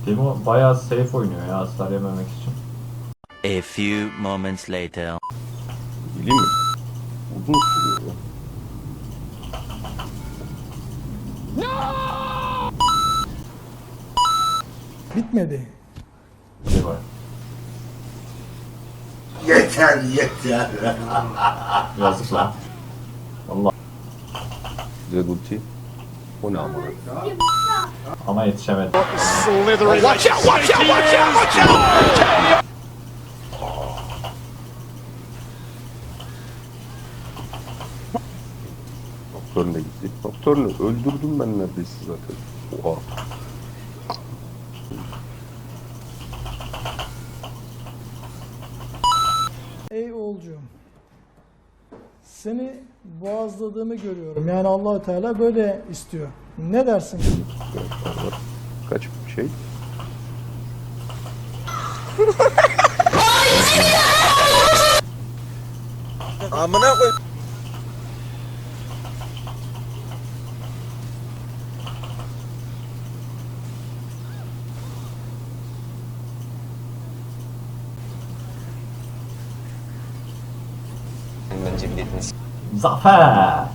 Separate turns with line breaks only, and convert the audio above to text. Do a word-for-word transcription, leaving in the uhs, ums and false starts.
Timo bayağı safe oynuyor ya hasar yememek için.
A few moments later.
Bileyim mi? Uzun sürüyor ya.
Bitmedi.
Şey var.
Yeter yeter.
Yazık lan. Valla
Güzel ulti. O ne ama?
ama yetişemedi.
Nocturne de gitti. Nocturne'u öldürdüm ben neredeyse zaten. Oha.
Ey oğulcuğum. Seni boğazladığımı görüyorum. Yani Allah Teala böyle istiyor. Ne dersin?
Kaç şey?
Amına koy.
Zafer!